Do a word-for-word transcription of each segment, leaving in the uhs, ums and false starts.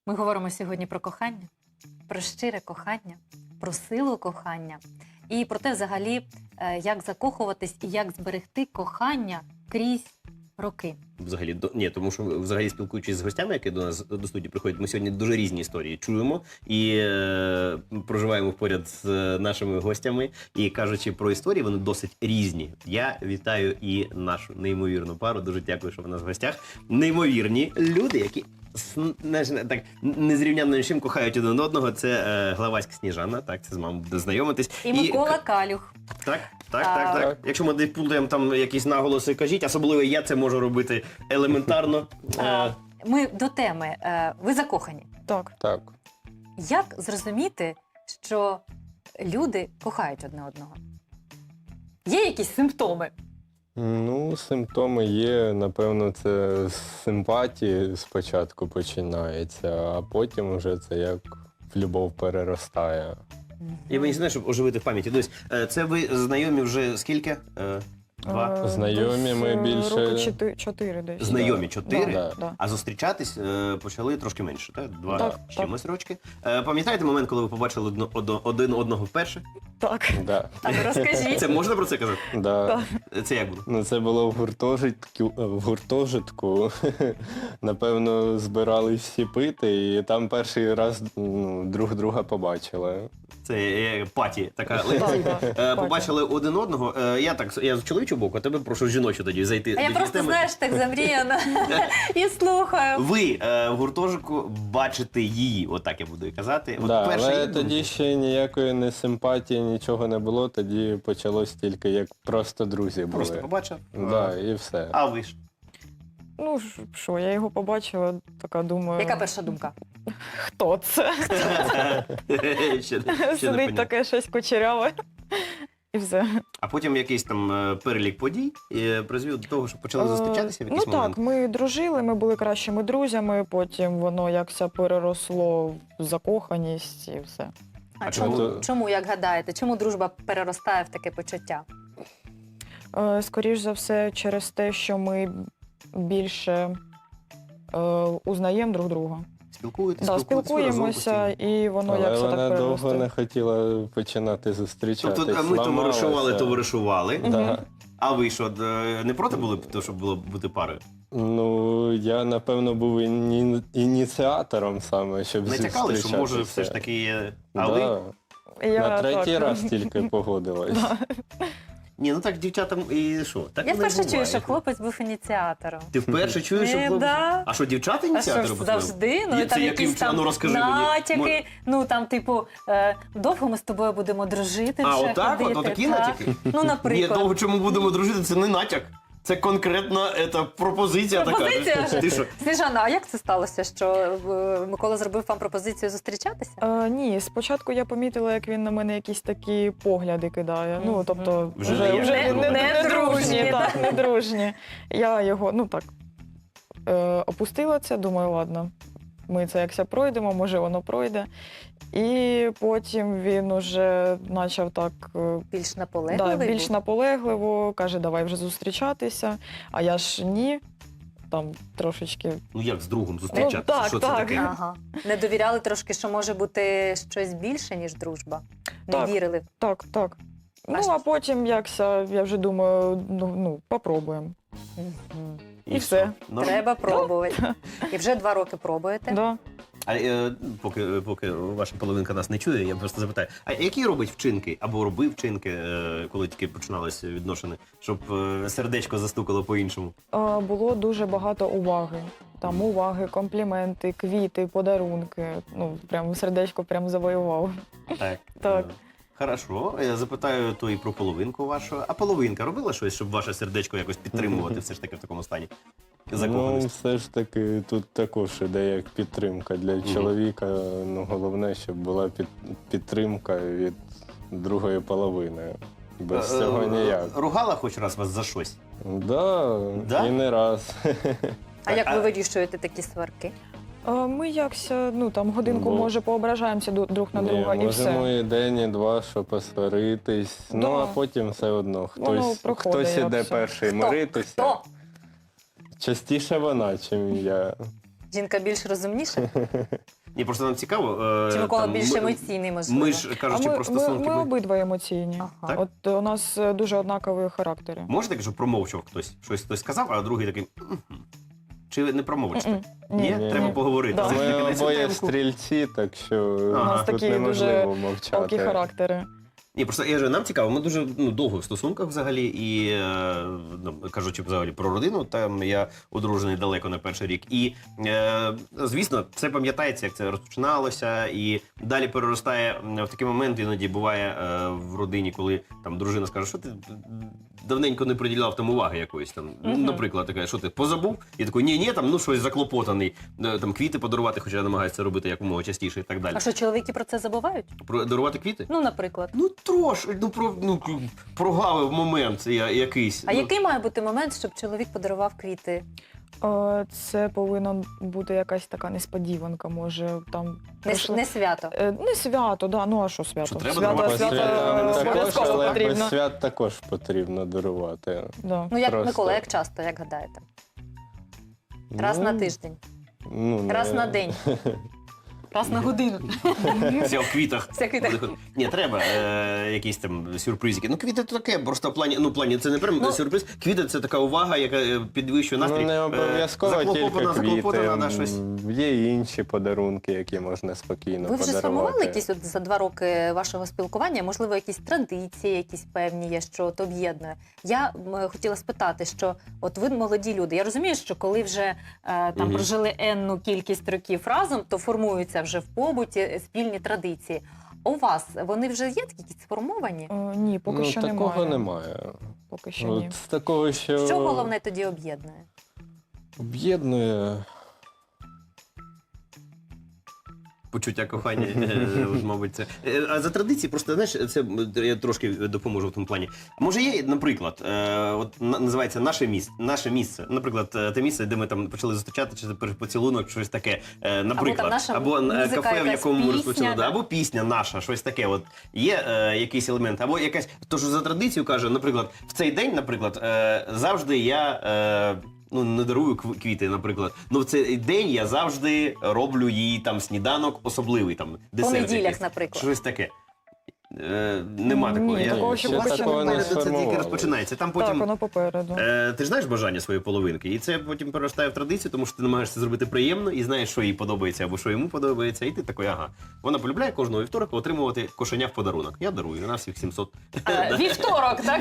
Ми говоримо сьогодні про кохання, про щире кохання, про силу кохання і про те, взагалі, як закохуватись і як зберегти кохання крізь роки. Взагалі, до... ні, тому що взагалі спілкуючись з гостями, які до нас до студії приходять, ми сьогодні дуже різні історії чуємо і е... проживаємо поряд з нашими гостями. І кажучи про історії, вони досить різні. Я вітаю і нашу неймовірну пару. Дуже дякую, що ви у нас в гостях. Неймовірні люди, які знаєш, так незрівнянно чим кохають один одного. Це е, Главацька Сніжана, так, це з вами буде знайомитись. І Микола Калюх. Так, так, так, так, так. Якщо ми десь плутаємо там якісь наголоси, кажіть, особливо я це можу робити елементарно. А, ми до теми. Ви закохані. Так. Так. Як зрозуміти, що люди кохають одне одного? Є якісь симптоми? Ну, симптоми є, напевно, це з симпатії спочатку починається, а потім вже це як в любов переростає. І мені знає, щоб оживити в пам'яті. Дивись, це ви знайомі вже скільки? Два? Е, Знайомі десь, ми е, більше- Роки чотири, чотири десь. Знайомі Да. чотири, Да. Да. а зустрічатись е, почали трошки менше, так? Два Так, з чимось рочки. Е, пам'ятаєте момент, коли ви побачили одно- одно- один одного вперше? Так. Да. А ну розкажіть. Це можна про це казати? Да. Це як було? Ну, це було в гуртожитку, в гуртожитку. Напевно, збирались всі пити, і там перший раз ну, друг друга побачили. Це е, паті, така Так, лекція. так, Е, паті. Побачили один одного. Е, Я так, я з чоловічого боку, а тебе прошу жіночу тоді зайти. А я до просто, теми. знаєш, так замріяна і слухаю. Ви е, в гуртожитку бачите її, отак я буду і казати. От Да, перша але її тоді думка. ще ніякої не симпатії, нічого не було, тоді почалось тільки як просто друзі були. Просто побачив. Да, і все. А ви ж? Ну, ш- що, я його побачила, така думаю, Яка перша думка? хто це? Ще- ще не Сидить понятно. таке щось кучеряве. І все. А потім якийсь там е, перелік подій е, призвів до того, що почали зустрічатися в Е, якийсь Ну момент? так, ми дружили, ми були кращими друзями, потім воно якся переросло в закоханість і все. А А чому, чому- чому, як гадаєте, чому дружба переростає в таке почуття? Е, Скоріш за все, через те, що ми більше е, узнаємо друг друга. Спілкуєтесь, Да, спілкуєтесь, ви разом спілкуємося, постійно? і воно Але якся вона так довго переросте. не хотіла починати зустрічатись. Тобто а ми ламалася. товаришували, товаришували. Да. А ви що, е, не проти були б того, щоб було бути парою? Ну, я, напевно, був іні... ініціатором саме, щоб Не зустрічатися. тякали, що може все ж таки є. А ви? Да. Я На третій так. раз тільки погодилась. Ні, ну так дівчатам і що? Так Я воно і вперше чую, буває. що хлопець був ініціатором. Ти вперше чуєш, що Е, хлопець? да. А що, дівчата А що ініціатори ж по-твоєму? завжди? Ну, Є і там це якісь яким? там Ну, розкажи мені. натяки, Мо- ну там, типу, е, довго ми з тобою будемо дружити А, вже отак? ходити. От такі так. натяки? Ну, Ні, наприклад. довго чому будемо дружити, це не натяк. Це конкретна ета, пропозиція, Пропозиція? така. Ти що? Сніжана, а як це сталося, що е, Микола зробив вам пропозицію зустрічатися? Е, ні, спочатку я помітила, як він на мене якісь такі погляди кидає. Ну, тобто, Вже вже, не вже є. не, не, Не не дружні, дружні, так, не дружні. Я його, ну так, е, опустила це, думаю, ладно, ми це якся пройдемо, може воно пройде. І потім він уже почав так е, Більш да, наполегливий більш був? наполегливо, каже, давай вже зустрічатися. А я ж ні, там трошечки. Ну як з другом зустрічатися? Ну, так, що це так. таке? Ага. Не довіряли трошки, що може бути щось більше, ніж дружба? Не Так. вірили? Так, так. Ну, що? а потім якся, я вже думаю, ну, ну попробуємо. Мгм. І все. Ну, Треба пробувати. І вже два роки пробуєте? Да. А е, поки, поки ваша половинка нас не чує, я просто запитаю, а які робить вчинки або робив вчинки, е, коли тільки починалися відношення, щоб е, сердечко застукало по-іншому? А, було дуже багато уваги. Там уваги, компліменти, квіти, подарунки. Ну, прям сердечко прям завоював. Так. Так. Е, Хорошо, я запитаю то і про половинку вашу. А половинка робила щось, щоб ваше сердечко якось підтримувати все ж таки в такому стані? Ну, Закоханості? все ж таки, тут також іде як підтримка для чоловіка. Ну, головне, щоб була під... підтримка від другої половини. Без Е, цього е, ніяк. Ругала хоч раз вас за щось? Да, Да? і не раз. А як А- ви вирішуєте такі сварки? А ми якся, ну там годинку, Ну, може, поображаємося ду- друг на Ні, друга і можемо все. і день, і два, щоб посваритись. Да. Ну, а потім все одно Воно хтось, проходить, хтось як іде все. перший Хто? миритися. Хто? Частіше вона, чим я. Жінка більш розумніша? Ні, просто нам цікаво. е, Чи Микола там, більш ми- емоційний, можливо? Ми ж А кажучи ми, про ми, стосунки. ми ми- обидва емоційні. Ага. Так? От у нас е, дуже однакові характери. Може таке, що промовчав хтось? Щось хтось сказав, а другий такий. «Мгм». Чи не промовчите? М-м. Ні? Ні. Треба ні. поговорити. Да. Все-таки Ми на цю обоє темку. стрільці, так що Ага. У нас тут такі неможливо Такі мовчати. характери. Ні, просто я ж нам цікаво, ми дуже ну, довго в стосунках взагалі, і е, ну, кажучи взагалі про родину, там я одружений далеко на перший рік. І е, звісно, все пам'ятається, як це розпочиналося, і далі переростає в такий момент, іноді буває е, в родині, коли там дружина скаже, що ти давненько не приділяв там уваги якоїсь там. Мгм. Наприклад, така, що ти позабув? І такий, ні, ні, там ну щось заклопотаний, е, там квіти подарувати, хоча я намагаюся це робити якомога частіше і так далі. А що, чоловіки про це забувають? Про дарувати квіти? Ну, наприклад. Ну трошки, ну про ну прогавив момент я, якийсь. А ну, який має бути момент, щоб чоловік подарував квіти? Е, Це повинна бути якась така несподіванка, може там Не, пройшло- не свято. Е, Не свято, да. Ну а що свято? Що треба свято, дарувати? свято Свято е, також, обов'язково але без потрібно. свят також потрібно дарувати. Да. Ну, як Просто- Микола, як часто, як гадаєте? Раз Ну, на тиждень, Ну, не- раз на день, раз на годину. Все в квітах. Все в квітах. Ні, треба е, якісь там сюрпризики. Ну, квіти то таке, просто в плані, ну, в плані, це не прям Ну, сюрриз. Квіти це така увага, яка е, підвищує настрій. Ну, не Е, обов'язково тільки заклопотана, квіти. заклопотана, да, щось. М, Є інші подарунки, які можна спокійно Ви вже подарувати. сформували якісь от за два роки вашого спілкування? Можливо, якісь традиції, якісь певні є, що от об'єднує. Я м, хотіла спитати, що от ви молоді люди. Я розумію, що коли вже е, там Мгм. прожили енну кількість років разом, то формуються вже в побуті спільні традиції. У вас вони вже є такі якісь сформовані? Е, Ні, поки ну, що такого немає. немає. Поки що ні. От з такого, що, Що головне тоді об'єднує? об'єднує. Почуття кохання, е, от, мабуть, це. Е, А за традиції, просто знаєш, це м, я трошки допоможу в тому плані. Може, є, наприклад, е, от на- називається наше місце, наше місце. Наприклад, е, те місце, де ми там почали зустрічати, чи це перший поцілунок, щось таке. Е, Наприклад, наша або е, музика, кафе, в якась якому ми пісня, розпочали, да? або пісня наша, щось таке. От є е, якийсь елемент, або якась. Тож за традицію каже, наприклад, в цей день, наприклад, е, завжди я. Е, Ну, не дарую кв- квіти, наприклад. Ну, в цей день я завжди роблю їй там сніданок особливий, там По десерт неділях, якийсь. наприклад. Щось таке. Е, нема Ні, такого. Я- такого ще У вас поки там що не попереду це тільки сформувалось. розпочинається. Там Так, потім. воно попереду. Е, ти ж знаєш бажання своєї половинки, і це потім переростає в традицію, тому що ти намагаєшся зробити приємно і знаєш, що їй подобається або що йому подобається, і ти такий, ага. Вона полюбляє кожного вівторка отримувати кошеня в подарунок. Я дарую, на всіх сімсот. Е, Вівторок, так?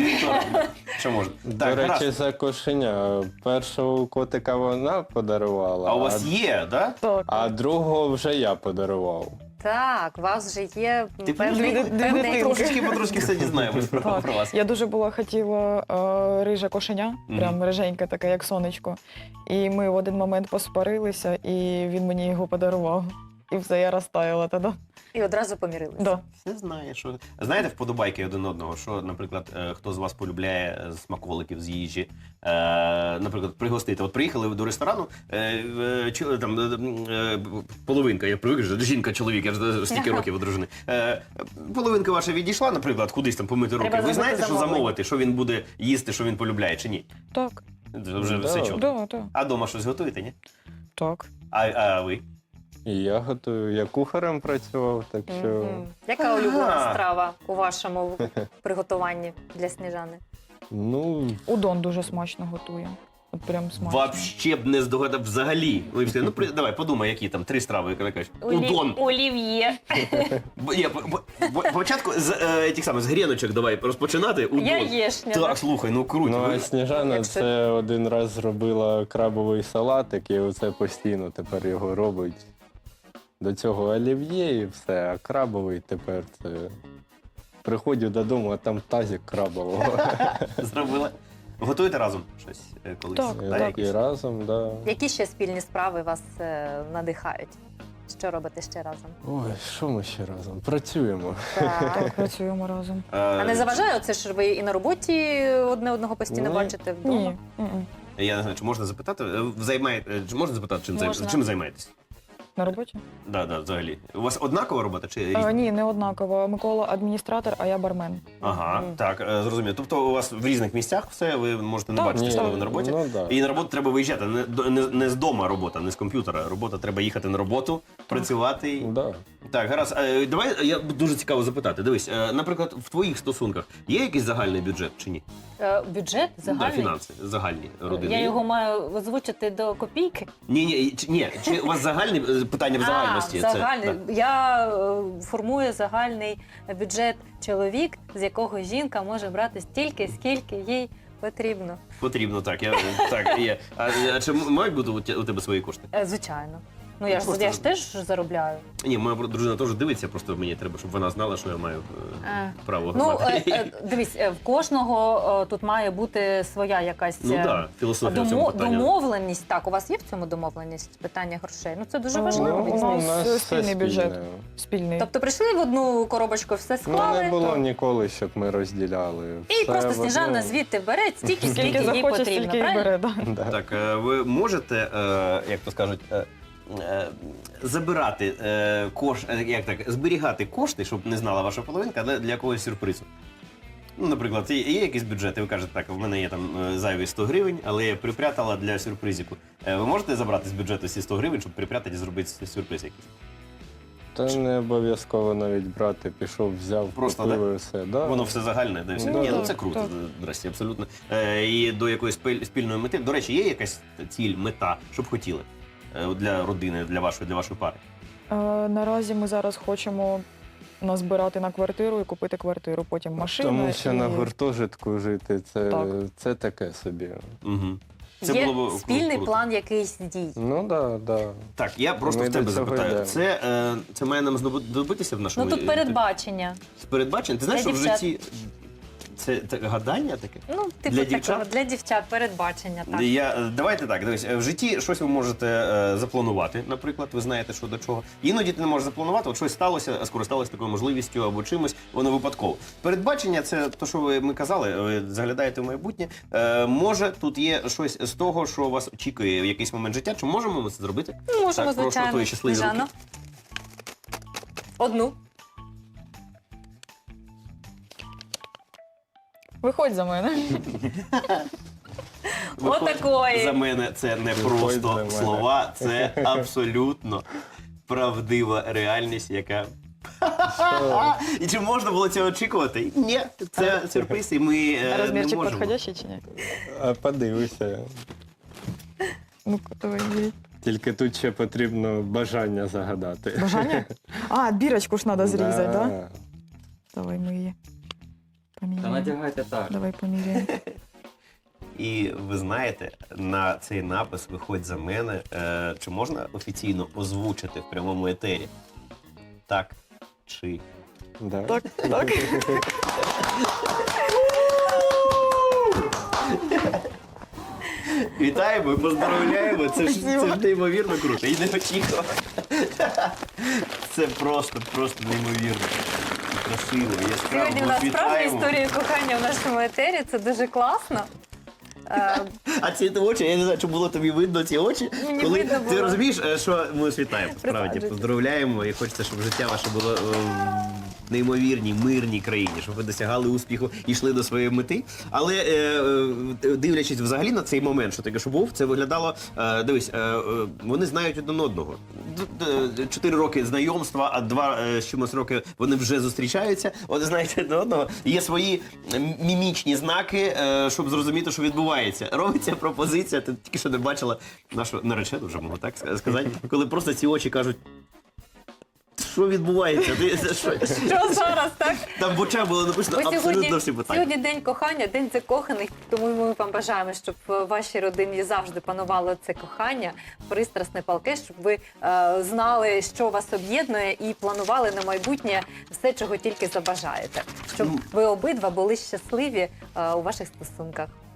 Що можна? До Так, речі, гаразд. за кошеня. Першого котика вона подарувала, А у вас є, так? Так. а другого вже я подарував. Так, у вас вже є Ти певний, дві- дві певний дитинки. трошечки потрошки все дізнаємось про, Так. про вас. Я дуже була хотіла е, риже кошеня, Мгм. прям риженьке таке, як сонечко. І ми в один момент посварилися, і він мені його подарував. І все, я розтаяла тоді. і одразу помірилися. Да. Все знає, що знаєте вподобайки один одного. Що, наприклад, е, хто з вас полюбляє е, смаколиків з їжі, е, наприклад, пригостити. От приїхали ви до ресторану, е, е, чи- там е, е, половинка, я привик, що жінка, чоловік, я ж стільки років одружений. Е, половинка ваша відійшла, наприклад, кудись там помити руки. Треба Ви зробити знаєте, що замовлення. замовити, що він буде їсти, що він полюбляє, чи ні? Так, Це вже Да. все чудо. да, да, А вдома щось готуєте, ні? так. А, а ви? І я готую. Я кухарем працював, так що. Мгм. Яка Ага. улюблена страва у вашому приготуванні для Сніжани? Ну, Удон дуже смачно готує. От прям смачно. Вообще б не здогадав взагалі. Ви б сказали, ну при- давай подумай, які там три страви, яка кажеш. Удон. Олів'є. Б- Ні, по- по- по- спочатку з е, тих самих з гріночок давай розпочинати. Удон. Яєшня. Так, слухай, ну круто. ну Ви- а Сніжана Як це? це один раз зробила крабовий салатик, і оце постійно тепер його робить. До цього олів'є і все, а крабовий тепер це. Приходжу додому, а там тазик крабового. Зробила. Готуєте разом щось е, колись? Так, Та, так. якісь? І разом, да. Які ще спільні справи вас е, надихають? Що робите ще разом? Ой, що ми ще разом? Працюємо. Так. Так, працюємо разом. Е, А не заважає оце, що ви і на роботі одне одного постійно Ні. бачите вдома? Ні. м-м. Я не знаю, чи можна запитати? Е, Займає... е, Чи можна запитати, чим, зай- Можна. чим займаєтесь? На роботі? Да, да, взагалі. У вас однакова робота чи різна? Е, ні, не однаково. Микола адміністратор, а я бармен. Ага, так, е, зрозуміло. Тобто у вас в різних місцях все, ви можете не Так, бачити, ні, що ви на роботі. Ну, да. І на роботу треба виїжджати. Не, до- не, не з дома робота, не з комп'ютера. Робота треба їхати на роботу, працювати. Да. Так, гаразд. Е, Давай я дуже цікаво запитати. Дивись, е, наприклад, в твоїх стосунках є якийсь загальний бюджет чи ні? Е, Бюджет Да, загальний. фінанси, загальні родини. Я є? його маю озвучити до копійки. Ні, ні, чи, ні, чи у вас загальне е, питання в загальності? А, Це- загальний. да. Я е, формую загальний бюджет чоловік, з якого жінка може брати стільки, скільки їй потрібно. Потрібно, так. Я, так, є. А, а чи мають бути у те- у тебе свої кошти? Е, Звичайно. Ну я ж Просто- я ж теж заробляю. Ні, моя дружина теж дивиться, просто мені треба, щоб вона знала, що я маю е, Е, право Ну, мати. е, е, дивись, е, в кожного е, тут має бути своя якась Ну е, так, філософія в цьому домо- питанні. домовленість. Так, у вас є в цьому домовленість питання грошей? Ну це дуже Е, важливо. у мені нас здається. е, все спільний бюджет. спільне. Спільний. Тобто прийшли в одну коробочку, все Ну, склали. не було то- ніколи, щоб ми розділяли. І Все просто в Сніжана одному. звідти бере стільки, скільки Скільки їй захоче, потрібно. стільки і Правильно? бере. Да. Да. Так, е, ви можете, е, як то скажуть, е, е, забирати е, кош, е, як так, зберігати кошти, щоб не знала ваша половинка, для, для якогось сюрпризу. Ну, наприклад, є, є якийсь бюджет, і ви кажете, так, в мене є там е, зайві сто гривень, але я припрятала для сюрпризику. Е, ви можете забрати з бюджету ці сто гривень, щоб припрятати і зробити сюрприз якийсь? Та не обов'язково навіть брати, пішов, взяв, Просто, купив і все. Да. Воно все загальне, де все. Ну, Ні, ну так, це круто, так. здрасті, абсолютно. Е, і до якоїсь спіль- спільної мети. До речі, є якась ціль, мета, що б хотіли е, для родини, для вашої, для вашої пари? Е, Наразі ми зараз хочемо назбирати на квартиру і купити квартиру, потім машину. Тому що на і... гуртожитку жити це, Так. це таке собі. Угу. Є було б спільний круто. план якийсь дій. Ну так, да, да. Так, я просто Ми в тебе до цього запитаю. йдемо. Це, е, це має нам знадобитися в нашому Ну тут е, передбачення. передбачення? Ти знаєш, Для що в дівчат. житті це, це гадання таке? Ну, типу Для такого, дівчат? для дівчат передбачення, так. Я, е, давайте так, дивись, е, в житті щось ви можете е, запланувати, наприклад, ви знаєте, що до чого. Іноді ти не можеш запланувати, от щось сталося, скористалися такою можливістю або чимось, воно випадково. Передбачення це те, що ви ми казали, ви заглядаєте в майбутнє. Е, може, тут є щось з того, що вас очікує в якийсь момент життя. Чи можемо ми це зробити? Ну, можемо, Так, прошу, звичайно. твої щасливі Сніжано. руки. Одну. Виходь за мене. Виходь Отакої. За мене це не Виходь за просто мене. слова, це абсолютно правдива реальність, яка. І чи можна було цього очікувати? Ні, це сюрприз, і ми е, не Розмірчик можемо. підходящий чи ні? А подивися. Ну-ка, давай, беріть. Тільки тут ще потрібно бажання загадати. Бажання? А, бірочку ж треба зрізати, так? Да? Да. Давай ми її Та поміряємо. надягайте так. Давай поміряємо. І ви знаєте, на цей напис «Виходь за мене» е, чи можна офіційно озвучити в прямому етері? Так чи Да. Так, так. вітаємо і поздравляємо. Це ж, це ж неймовірно круто. І не очікував. Це просто, просто неймовірно. Красиво, яскраво. Сьогодні у нас справді Вітаємо. історія кохання в нашому етері. Це дуже класно. Е, А ці очі, я не знаю, чи було тобі видно ці очі. Мені коли видно ти було. розумієш, е, що ми вас вітаємо. Справді Присаджуйтесь. поздравляємо і хочеться, щоб життя ваше було е, в неймовірній, мирній країні, щоб ви досягали успіху і йшли до своєї мети. Але е, е, дивлячись взагалі на цей момент, що таке, що був, це виглядало. Е, дивись, е, е, вони знають один одного. Д- д- Чотири роки знайомства, а два е, з чимось роки вони вже зустрічаються. Вони знають один одного. Є свої м- мімічні знаки, е, щоб зрозуміти, що відбувається. Робиться пропозиція. Ти тільки що не бачила нашу наречену, вже можу так сказати, коли просто ці очі кажуть. Що відбувається? Ти, це що? Що зараз, так? Там в очах було написано Бо абсолютно сьогодні, всі питання. сьогодні день кохання, день закоханих, тому ми вам бажаємо, щоб в вашій родині завжди панувало це кохання, пристрасне палке, щоб ви е, знали, що вас об'єднує, і планували на майбутнє все, чого тільки забажаєте. Щоб ви обидва були щасливі е, у ваших стосунках.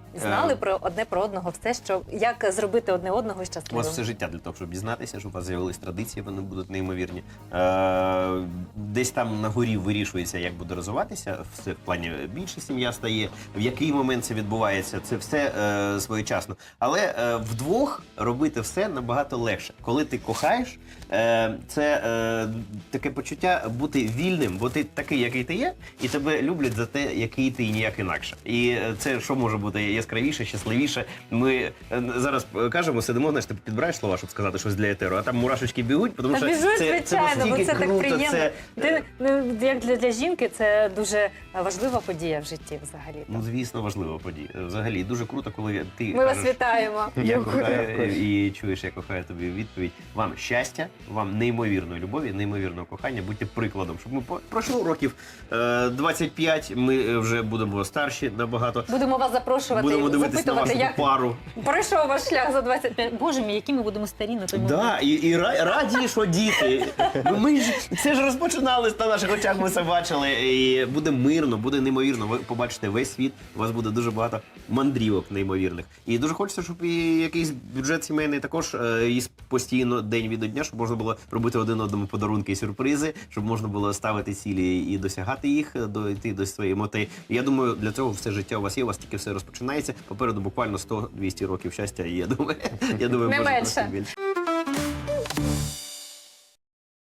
знали Е, про одне про одного все, що як зробити одне одного У вас щасливим. все життя для того, щоб дізнатися, щоб у вас з'явились традиції, вони будуть неймовірні. Е, десь там на горі вирішується, як буде розвиватися, все в плані більше сім'я стає, в який момент це відбувається, це все е, своєчасно. Але е, вдвох робити все набагато легше. Коли ти кохаєш, е, це е, таке почуття бути вільним, бо ти такий, який ти є, і тебе люблять за те, який ти і ніяк інакше. І е, це що може бути яскравіше, щасливіше. Ми е, зараз кажемо, сидимо, знаєш, ти підбираєш слова, щоб сказати щось для етеру, а там мурашечки бігуть, тому Та що біжуть, це, це звичайно, бо настільки це так круто, приємно. це, Ти, ну, як для, для жінки це дуже важлива подія в житті взагалі. ну, звісно, важлива подія. Взагалі, дуже круто, коли ти Ми вас кажеш, вітаємо. я Дякую. кохаю, і чуєш, я кохаю тобі відповідь. Вам щастя, вам неймовірної любові, неймовірного кохання. Будьте прикладом, щоб ми по- пройшло років е, двадцять п'ять, ми вже будемо старші набагато. Будемо вас запрошувати, Будемо дивитися на запитувати, вашу як пару. пройшов ваш шлях за двадцять п'ять. Боже мій, які ми будемо старі на той момент. Да, і, і ра- раді, що діти. Ми ж це ж розпочинали на наших очах. Ми це бачили. І буде мирно, буде неймовірно. Ви побачите весь світ. У вас буде дуже багато мандрівок неймовірних. І дуже хочеться, щоб і якийсь бюджет сімейний також е, їсть постійно день від дня, щоб можна було робити один одному подарунки і сюрпризи, щоб можна було ставити цілі і досягати їх, дойти до своєї мети. І я думаю, для цього все життя у вас є. У вас тільки все розпочинається. Попереду буквально сто-двісті років щастя. І я думаю, я думаю, Не може менше. просто більше.